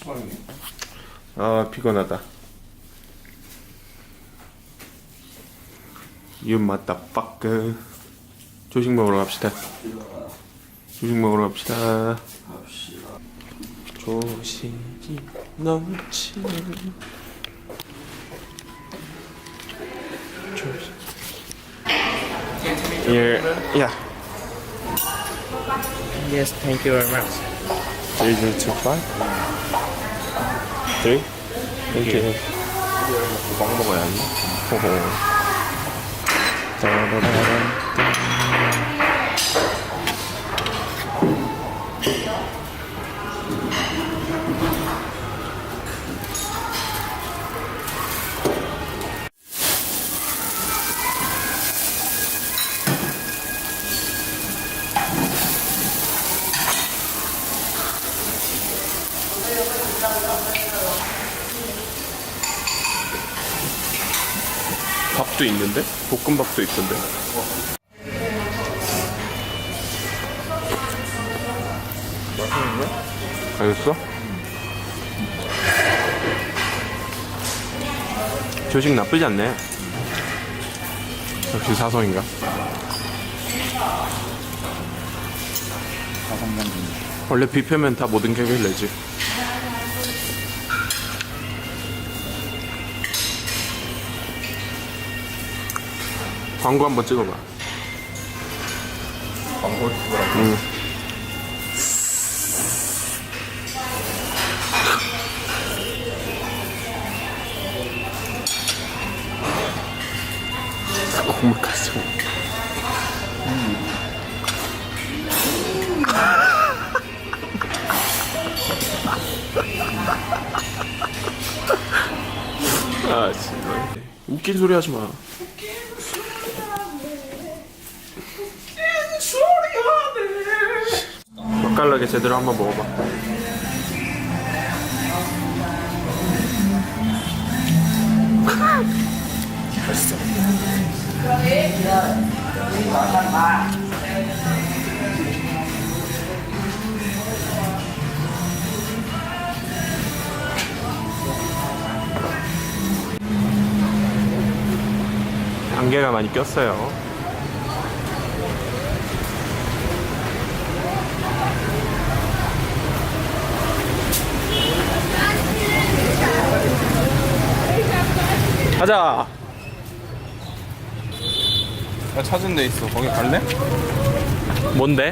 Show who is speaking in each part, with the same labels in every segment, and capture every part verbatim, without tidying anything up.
Speaker 1: 아 피곤하다. You motherfucker. 조식 먹으러 갑시다. 조식 먹으러 갑시다. 조식이 넘치는 조식. Here, yeah.
Speaker 2: Yes, thank you very much.
Speaker 1: Three, two, five. Three. Thank you. 빵 먹어야지. 호호. 따라라란. 밥도 있는데? 볶음밥도 있던데?
Speaker 2: 맛있는데?
Speaker 1: 알겠어? 조식 나쁘지 않네. 역시 사성인가? 원래 뷔페면 다 모든 객을 내지. 광고 한번 찍어봐.
Speaker 2: 광고를 찍으라고?
Speaker 1: 응. 국물까지. 음. 아 진짜 웃긴 소리 하지 마. 맛깔나게 제대로 한번 먹어봐.
Speaker 2: 맛있어.
Speaker 1: 안개가 많이 꼈어요. 가자.
Speaker 2: 나 찾은 데 있어. 거기 갈래?
Speaker 1: 뭔데?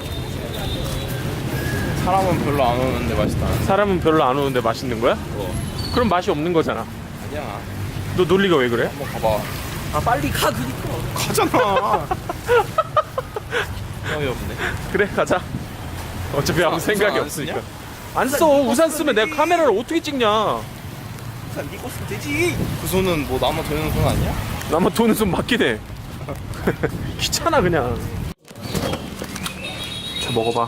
Speaker 2: 사람은 별로 안 오는데 맛있다.
Speaker 1: 사람은 별로 안 오는데 맛있는 거야?
Speaker 2: 어.
Speaker 1: 그럼 맛이 없는 거잖아.
Speaker 2: 아니야.
Speaker 1: 너 논리가 왜 그래?
Speaker 2: 한번 가봐.
Speaker 1: 아 빨리 가 그니까.
Speaker 2: 가잖아. 어이없네.
Speaker 1: 그래 가자. 어차피 아무
Speaker 2: 우산
Speaker 1: 생각이
Speaker 2: 안
Speaker 1: 없으니까.
Speaker 2: 쓰냐?
Speaker 1: 안 써. 우산 쓰면 내가 카메라를 어떻게 찍냐.
Speaker 2: 우산 니꺼 쓰면 되지. 그 손은 뭐 나만 되는 손 아니야?
Speaker 1: 나만 도는 손 맞긴 해. 귀찮아 그냥. 자 먹어봐.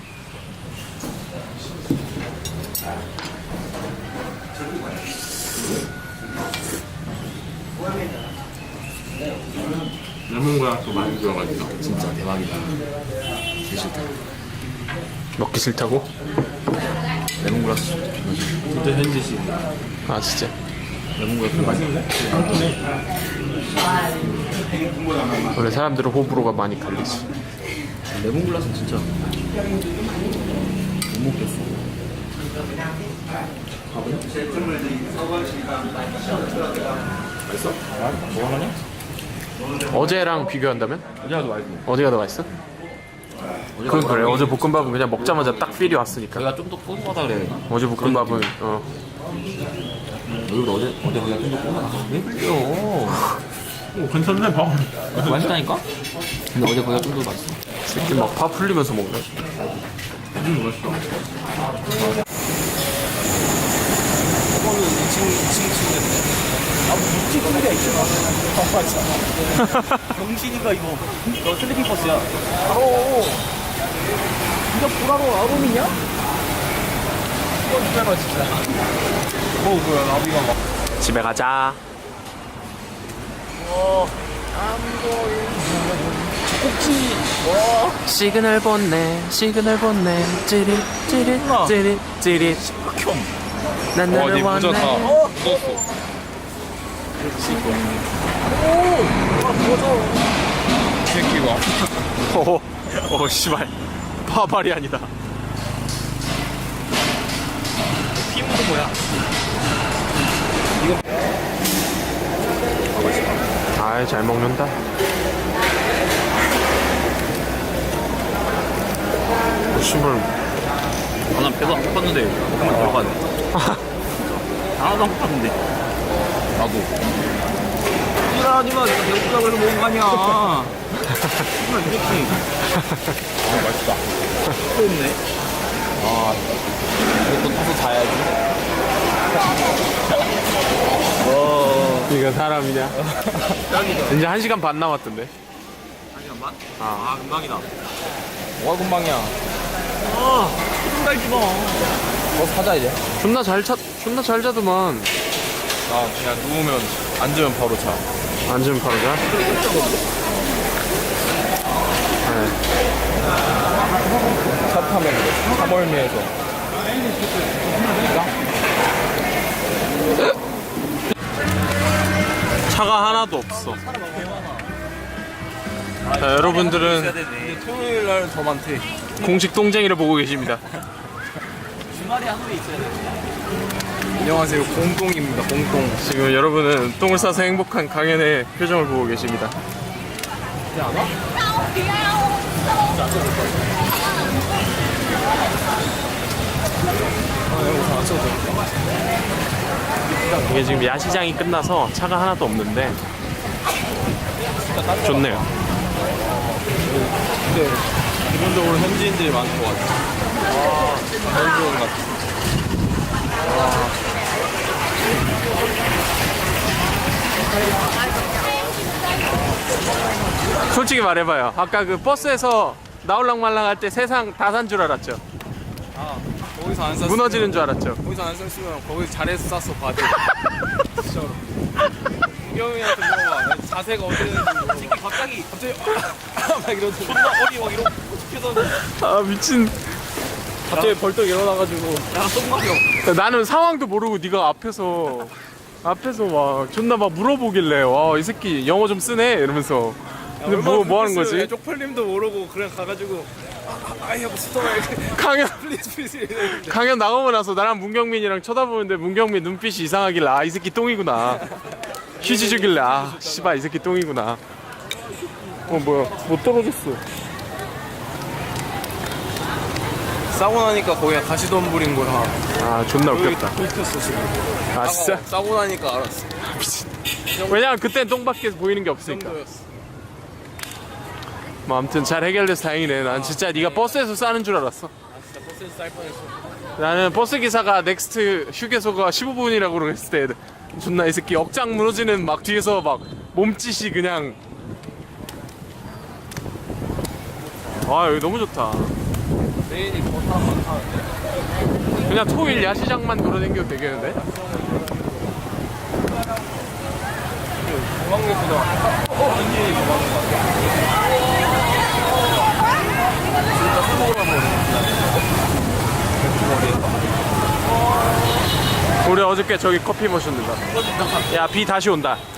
Speaker 1: 레몬그라스 많이 들어가있다.
Speaker 2: 진짜 대박이다. 되게 싫다.
Speaker 1: 먹기 싫다고?
Speaker 2: 레몬그라스 진짜 현지식.
Speaker 1: 아 진짜?
Speaker 2: 레몬그라스 맛있는데?
Speaker 1: 원래 사람들은 호불호가 많이 갈리지.
Speaker 2: 레몬글라스는 진짜 못 먹겠어.
Speaker 1: 맛있어?
Speaker 2: 아, 먹어하냐?
Speaker 1: 어제랑 비교한다면?
Speaker 2: 어제가 더 맛있어.
Speaker 1: 어디가 더 맛있어? 그건 그래. 어제 볶음밥은 그냥 먹자마자 딱 필이 왔으니까.
Speaker 2: 내가 좀 더 뽀송하다 그래.
Speaker 1: 어제 볶음밥은 어.
Speaker 2: 여기도 어제 어제 그냥 좀 더 뽀송하다. 왜 그래요?
Speaker 1: 오 괜찮네 밥.
Speaker 2: 맛있다니까? 근데 어제 보다 좀 더 맛있어.
Speaker 1: 새끼 막 파 풀리면서 먹네.
Speaker 2: 음 맛있어. 이거는 이 층 이 층 침대인데. 아, 뭐 이 층 침대야 이 층. 아 맞아. 병신이가 이거. 너 슬리핑 버스야. 바로. 이거 보라로 아롬이냐? 이거 진짜가 진짜. 어 뭐야 나비가 막.
Speaker 1: 집에 가자.
Speaker 2: 어. 안 보이는 꼭지. 와.
Speaker 1: 시그널 본네 시그널 본네 찌릿 찌릿
Speaker 2: 우와.
Speaker 1: 찌릿 찌릿
Speaker 2: 극혐.
Speaker 1: 난
Speaker 3: 와,
Speaker 1: 너를
Speaker 3: 니 묻었다.
Speaker 1: 원해.
Speaker 3: 묻었어.
Speaker 2: 오. 아 뭐죠?
Speaker 3: 이 새끼가.
Speaker 1: 오, 오, 씨발. 파발이 아니다.
Speaker 2: 피부도 뭐야?
Speaker 1: 아이, 잘 먹는다. 오, 씨발.
Speaker 2: 아, 난 배도 안 고팠는데 먹으면 들어가네. 하나도 안 고팠는데.
Speaker 3: 나도.
Speaker 2: 일하지마, 내가 배고프다고 해서 먹은 거 아니야. 정말 이 새끼.
Speaker 3: 아, 맛있다.
Speaker 2: 또 없네.
Speaker 3: 아, 이것도 타서 자야지.
Speaker 2: 와.
Speaker 1: 이거 사람이냐?
Speaker 2: 짱이다.
Speaker 1: 이제 한 시간 반 남았던데.
Speaker 2: 한 시간만?
Speaker 1: 아.
Speaker 2: 아, 금방이다.
Speaker 3: 뭐가 금방이야.
Speaker 2: 아, 조금 달지 마.
Speaker 3: 뭐 사자, 이제.
Speaker 1: 존나 잘 차, 존나 잘 자더만.
Speaker 3: 아, 그냥 누우면, 앉으면 바로 자.
Speaker 1: 앉으면 바로 자. 네.
Speaker 3: 차 타면 그래. 차멀미에서.
Speaker 1: 차가 하나도 없어. 자, 여러분들은
Speaker 2: 되네.
Speaker 3: 토요일 날 더 많대.
Speaker 1: 공식 동쟁이를 보고 계십니다.
Speaker 2: 주말에 하루에 있어야 돼.
Speaker 3: 안녕하세요. 공동입니다. 공동.
Speaker 1: 지금 여러분은 똥을 싸서 행복한 강연의 표정을 보고 계십니다. 이게 지금 야시장이 끝나서 차가 하나도 없는데 좋네요.
Speaker 3: 근데, 기본적으로 현지인들이 많은 것 같아. 와, 제일 좋은 것 같아.
Speaker 1: 솔직히 말해봐요. 아까 그 버스에서 나올랑말랑 할 때 세상 다 산 줄 알았죠?
Speaker 3: 아, 거기서 안 쌌으면.
Speaker 1: 무너지는 줄 알았죠?
Speaker 3: 거기서 안 쌌으면 거기서 잘해서 쌌어, 바지. 진짜로. 구경이한테 물어봐. 자세가 어떻게 되는지 물어봐.
Speaker 2: 새끼 갑자기
Speaker 3: 갑자기, 막 이러더니.
Speaker 2: 존나 어리 막 이러고 시켜서
Speaker 1: 아 미친.
Speaker 3: 갑자기 벌떡 일어나가지고.
Speaker 2: 야, 똥마려.
Speaker 1: 나는 상황도 모르고 네가 앞에서 앞에서 막 존나 막 물어보길래 와 이 새끼 영어 좀 쓰네 이러면서 근데 뭐 뭐 하는 거지?
Speaker 3: 쪽팔림도 모르고 그냥 가가지고 아이 하고 스톱을
Speaker 1: 강연
Speaker 3: 플리즈 플리즈 이랬는데
Speaker 1: 강연 나가고 나서 나랑 문경민이랑 쳐다보는데 문경민 눈빛이 이상하길래 아 이 새끼 똥이구나. 휴지 주길래 아 씨발 이 새끼 똥이구나. 어 뭐야 못 떨어졌어.
Speaker 3: 싸고 나니까 거기가 가시덤 부린 거야.
Speaker 1: 아 존나 웃겼다.
Speaker 3: tos어 지금.
Speaker 1: 아 진짜?
Speaker 3: 싸고 나니까 알았어.
Speaker 1: 왜냐면 그땐 똥밖에 보이는 게
Speaker 3: 그
Speaker 1: 없으니까.
Speaker 3: 정도였어.
Speaker 1: 뭐 아무튼 잘 해결돼서 다행이네. 난 진짜 네가 버스에서 싸는 줄 알았어.
Speaker 3: 아 진짜 버스에서 쌀 뻔했어.
Speaker 1: 나는 버스 기사가 넥스트 휴게소가 십오 분이라고 그랬을 때 존나 이 새끼 억장 무너지는 막 뒤에서 막 몸짓이 그냥 아 여기 너무 좋다.
Speaker 3: 메인이 더 사람 많다는데.
Speaker 1: 그냥 토일 야시장만 돌아다녀도 되겠는데?
Speaker 3: 공항역보다 현지인이 더 많은 것 같아. 진짜 수고를 한번
Speaker 1: 우리 어저께 저기 커피 마셨는다. 야 비 다시 온다.